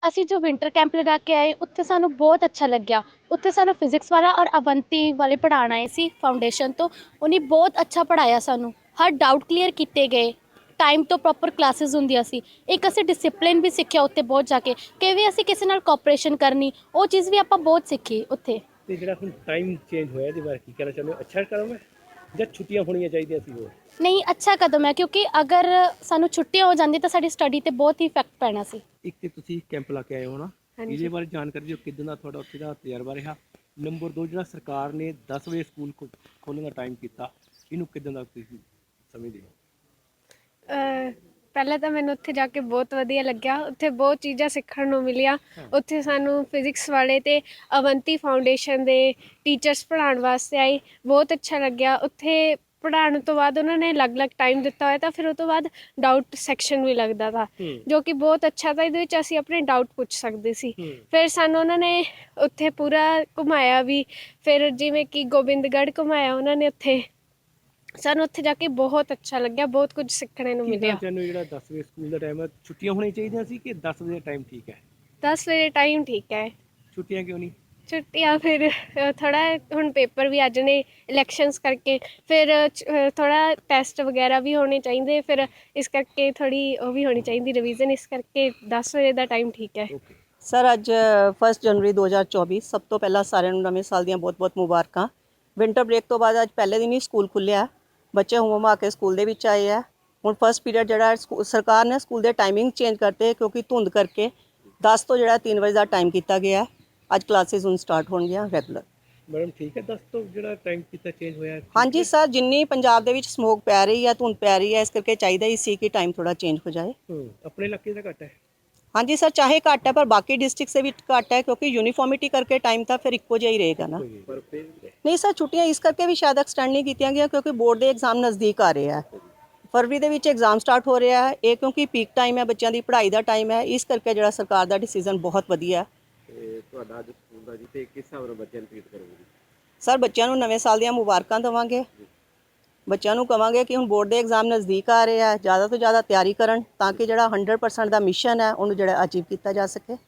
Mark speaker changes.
Speaker 1: ਅਸੀਂ ਜੋ winter camp ਲਗਾ ਕੇ ਆਏ ਉੱਥੇ ਸਾਨੂੰ ਬਹੁਤ ਅੱਛਾ ਲੱਗਿਆ। ਉੱਥੇ ਸਾਨੂੰ ਫਿਜ਼ਿਕਸ ਵਾਲਾ ਔਰ ਅਵੰਤੀ ਵਾਲੇ ਪੜ੍ਹਾਉਣ ਆਏ ਸੀ ਫਾਊਂਡੇਸ਼ਨ ਤੋਂ। ਉਹਨੇ ਬਹੁਤ ਅੱਛਾ ਪੜ੍ਹਾਇਆ ਸਾਨੂੰ, ਹਰ ਡਾਊਟ ਕਲੀਅਰ ਕੀਤੇ ਗਏ, ਟਾਈਮ ਤੋਂ ਪ੍ਰੋਪਰ ਕਲਾਸਿਸ ਹੁੰਦੀਆਂ ਸੀ। ਇੱਕ ਅਸੀਂ ਡਿਸਿਪਲਿਨ ਵੀ ਸਿੱਖਿਆ ਉੱਥੇ ਬਹੁਤ ਜਾ ਕੇ, ਕਿਵੇਂ ਅਸੀਂ ਕਿਸੇ ਨਾਲ ਕੋਆਪਰੇਸ਼ਨ ਕਰਨੀ, ਉਹ ਚੀਜ਼ ਵੀ ਆਪਾਂ ਬਹੁਤ ਸਿੱਖੀ ਉੱਥੇ।
Speaker 2: ਤੇ ਜਿਹੜਾ ਹੁਣ ਟਾਈਮ ਚੇਂਜ ਹੋਇਆ ਇਹਦੇ ਬਾਰੇ ਕੀ ਕਹਿਣਾ ਚਾਹੁੰਦੇ ਹੋ? ਅੱਛਾ ਕਦਮ ਹੈ ਜਾਂ ਛੁੱਟੀਆਂ ਹੋਣੀਆਂ ਚਾਹੀਦੀਆਂ ਸੀ ਹੋਰ?
Speaker 1: ਨਹੀਂ, ਅੱਛਾ ਕਦਮ ਹੈ, ਕਿਉਂਕਿ ਅਗਰ ਸਾਨੂੰ ਛੁੱਟੀਆਂ ਹੋ ਜਾਂਦੀ ਤਾਂ ਸਾਡੀ ਸਟੱਡੀ 'ਤੇ ਬਹੁਤ ਹੀ ਇਫੈਕਟ ਪੈਣਾ ਸੀ।
Speaker 2: ਇੱਕ ਤੇ ਤੁਸੀਂ ਕੈਂਪ ਲਾ ਕੇ ਆਏ ਹੋ ਨਾ, ਇਹਦੇ ਬਾਰੇ ਜਾਣਕਾਰੀ ਦਿਓ, ਕਿੱਦਾਂ ਦਾ ਤੁਹਾਡਾ ਉੱਥੇ ਦਾ ਤਜਰਬਾ ਰਿਹਾ? ਨੰਬਰ 2, ਜਿਹੜਾ ਸਰਕਾਰ ਨੇ 10 ਵਜੇ ਸਕੂਲ ਖੋਲ੍ਹਣ ਦਾ ਟਾਈਮ ਕੀਤਾ, ਇਹਨੂੰ ਕਿੱਦਾਂ ਦਾ ਤੁਸੀਂ ਸਮਝਦੇ ਹੋ?
Speaker 3: ਪਹਿਲਾਂ ਤਾਂ ਮੈਨੂੰ ਉੱਥੇ ਜਾ ਕੇ ਬਹੁਤ ਵਧੀਆ ਲੱਗਿਆ। ਉੱਥੇ ਬਹੁਤ ਚੀਜ਼ਾਂ ਸਿੱਖਣ ਨੂੰ ਮਿਲੀਆਂ। ਉੱਥੇ ਸਾਨੂੰ ਫਿਜ਼ਿਕਸ ਵਾਲੇ ਅਤੇ ਅਵੰਤੀ ਫਾਊਂਡੇਸ਼ਨ ਦੇ ਟੀਚਰਸ ਪੜ੍ਹਾਉਣ ਵਾਸਤੇ ਆਏ, ਬਹੁਤ ਅੱਛਾ ਲੱਗਿਆ। ਉੱਥੇ ਪੜ੍ਹਾਉਣ ਤੋਂ ਬਾਅਦ ਉਹਨਾਂ ਨੇ ਅਲੱਗ-ਅਲੱਗ ਟਾਈਮ ਦਿੱਤਾ ਹੋਇਆ ਤਾਂ ਫਿਰ ਉਹ ਤੋਂ ਬਾਅਦ ਡਾਊਟ ਸੈਕਸ਼ਨ ਵੀ ਲੱਗਦਾ ਤਾ, ਜੋ ਕਿ ਬਹੁਤ ਅੱਛਾ ਤਾ। ਇਹਦੇ ਵਿੱਚ ਅਸੀਂ ਆਪਣੇ ਡਾਊਟ ਪੁੱਛ ਸਕਦੇ ਸੀ। ਫਿਰ ਸਾਨੂੰ ਉਹਨਾਂ ਨੇ ਉੱਥੇ ਪੂਰਾ ਘੁਮਾਇਆ ਵੀ, ਫਿਰ ਜਿਵੇਂ ਕਿ ਗੋਬਿੰਦਗੜ੍ਹ ਘੁਮਾਇਆ ਉਹਨਾਂ ਨੇ। ਉੱਥੇ ਸਾਨੂੰ ਉੱਥੇ ਜਾ ਕੇ ਬਹੁਤ ਅੱਛਾ ਲੱਗਿਆ, ਬਹੁਤ ਕੁਝ ਸਿੱਖਣ ਨੂੰ ਮਿਲਿਆ।
Speaker 2: ਚਾਹੁੰਦੇ ਜਿਹੜਾ 10 ਵਜੇ ਸਕੂਲ ਦਾ ਟਾਈਮ ਹੈ, ਛੁੱਟੀਆਂ ਹੋਣੀਆਂ ਚਾਹੀਦੀਆਂ ਸੀ ਕਿ 10 ਵਜੇ ਟਾਈਮ ਠੀਕ ਹੈ?
Speaker 3: 10 ਵਜੇ ਟਾਈਮ ਠੀਕ ਹੈ।
Speaker 2: ਛੁੱਟੀਆਂ ਕਿਉਂ ਨਹੀਂ?
Speaker 3: ਛੁੱਟੀਆਂ ਫਿਰ ਥੋੜ੍ਹਾ ਹੁਣ ਪੇਪਰ ਵੀ ਅੱਜ ਨੇ ਇਲੈਕਸ਼ਨਸ ਕਰਕੇ, ਫਿਰ ਥੋੜ੍ਹਾ ਟੈਸਟ ਵਗੈਰਾ ਵੀ ਹੋਣੇ ਚਾਹੀਦੇ, ਫਿਰ ਇਸ ਕਰਕੇ ਥੋੜ੍ਹੀ ਉਹ ਵੀ ਹੋਣੀ ਚਾਹੀਦੀ ਰਿਵੀਜ਼ਨ, ਇਸ ਕਰਕੇ 10 ਵਜੇ ਦਾ ਟਾਈਮ ਠੀਕ ਹੈ।
Speaker 4: ਸਰ, ਅੱਜ 1 ਜਨਵਰੀ 2024, ਸਭ ਤੋਂ ਪਹਿਲਾਂ ਸਾਰਿਆਂ ਨੂੰ ਨਵੇਂ ਸਾਲ ਦੀਆਂ ਬਹੁਤ-ਬਹੁਤ ਮੁਬਾਰਕਾਂ। ਵਿੰਟਰ ਬ੍ਰੇਕ ਤੋਂ ਬਾਅਦ ਅੱਜ ਪਹਿਲੇ ਦਿਨ ਹੀ ਸਕੂਲ ਖੁੱਲ੍ਹਿਆ, ਬੱਚੇ ਹੁਮ-ਹੁਮਾ ਕੇ ਸਕੂਲ ਦੇ ਵਿੱਚ ਆਏ ਆ। ਹੁਣ ਫਸਟ ਪੀਰੀਅਡ ਜਿਹੜਾ ਸਰਕਾਰ ਨੇ ਸਕੂਲ ਦੇ ਟਾਈਮਿੰਗ ਚੇਂਜ ਕਰਤੇ, ਕਿਉਂਕਿ ਧੁੰਦ ਕਰਕੇ 10 ਤੋਂ ਜਿਹੜਾ 3 ਵਜੇ ਦਾ ਟਾਈਮ ਕੀਤਾ ਗਿਆ। ਅੱਜ ਕਲਾਸਿਸ ਹੁਣ ਸਟਾਰਟ ਹੋਣਗੀਆਂ ਰੈਗੂਲਰ।
Speaker 2: ਮੈਡਮ ਠੀਕ ਹੈ 10 ਤੋਂ ਜਿਹੜਾ ਟਾਈਮ ਕੀਤਾ ਚੇਂਜ ਹੋਇਆ?
Speaker 4: ਹਾਂਜੀ ਸਰ, ਜਿੰਨੀ ਪੰਜਾਬ ਦੇ ਵਿੱਚ ਸਮੋਕ ਪੈ ਰਹੀ ਹੈ, ਧੁੰਦ ਪੈ ਰਹੀ ਹੈ, ਇਸ ਕਰਕੇ ਚਾਹੀਦਾ ਹੀ ਸੀ ਕਿ ਟਾਈਮ ਥੋੜਾ ਚੇਂਜ ਹੋ ਜਾਏ।
Speaker 2: ਆਪਣੇ ਇਲਾਕੇ ਦਾ ਘੱਟ ਹੈ?
Speaker 4: ਹਾਂਜੀ ਸਰ, ਚਾਹੇ ਘੱਟ ਹੈ ਪਰ ਬਾਕੀ ਡਿਸਟ੍ਰਿਕਟ ਸੇ ਵੀ ਘੱਟ ਹੈ, ਕਿਉਂਕਿ ਯੂਨੀਫਾਰਮਿਟੀ ਕਰਕੇ ਟਾਈਮ ਤਾਂ ਫਿਰ ਇੱਕੋ ਜਿਹਾ ਹੀ ਰਹੇਗਾ ਨਾ। ਨਹੀਂ ਸਰ, ਛੁੱਟੀਆਂ ਇਸ ਕਰਕੇ ਵੀ ਸ਼ਾਇਦ ਐਕਸਟੈਂਡ ਨਹੀਂ ਕੀਤੀਆਂ ਗਈਆਂ ਕਿਉਂਕਿ ਬੋਰਡ ਦੇ ਐਗਜ਼ਾਮ ਨਜ਼ਦੀਕ ਆ ਰਹੇ ਆ। ਫਰਵਰੀ ਦੇ ਵਿੱਚ ਐਗਜ਼ਾਮ ਸਟਾਰਟ ਹੋ ਰਿਹਾ ਹੈ, ਇਹ ਕਿਉਂਕਿ ਪੀਕ ਟਾਈਮ ਹੈ, ਬੱਚਿਆਂ ਦੀ ਪੜ੍ਹਾਈ ਦਾ ਟਾਈਮ ਹੈ, ਇਸ ਕਰਕੇ ਜਿਹੜਾ ਸਰਕਾਰ ਦਾ ਡਿਸੀਜਨ ਬਹੁਤ ਵਧੀਆ।
Speaker 2: ਤੁਹਾਡਾ ਅੱਜ ਸਕੂਲ ਦਾ ਜੀ, ਤੇ ਕਿਸ ਹਿਸਾਬ ਨਾਲ ਬੱਚਿਆਂ ਨੂੰ ਟ੍ਰੀਟ ਕਰੋਗੇ?
Speaker 4: ਸਰ, ਬੱਚਿਆਂ ਨੂੰ ਨਵੇਂ ਸਾਲ ਦੀਆਂ ਮੁਬਾਰਕਾਂ ਦੇਵਾਂਗੇ। ਬੱਚਿਆਂ ਨੂੰ ਕਹਾਂਗੇ ਕਿ ਹੁਣ ਬੋਰਡ ਦੇ ਐਗਜ਼ਾਮ ਨਜ਼ਦੀਕ ਆ ਰਹੇ ਆ, ਜ਼ਿਆਦਾ ਤੋਂ ਜ਼ਿਆਦਾ ਤਿਆਰੀ ਕਰਨ ਤਾਂ ਕਿ ਜਿਹੜਾ 100% ਦਾ ਮਿਸ਼ਨ ਹੈ ਉਹਨੂੰ ਜਿਹੜਾ ਅਚੀਵ ਕੀਤਾ ਜਾ ਸਕੇ।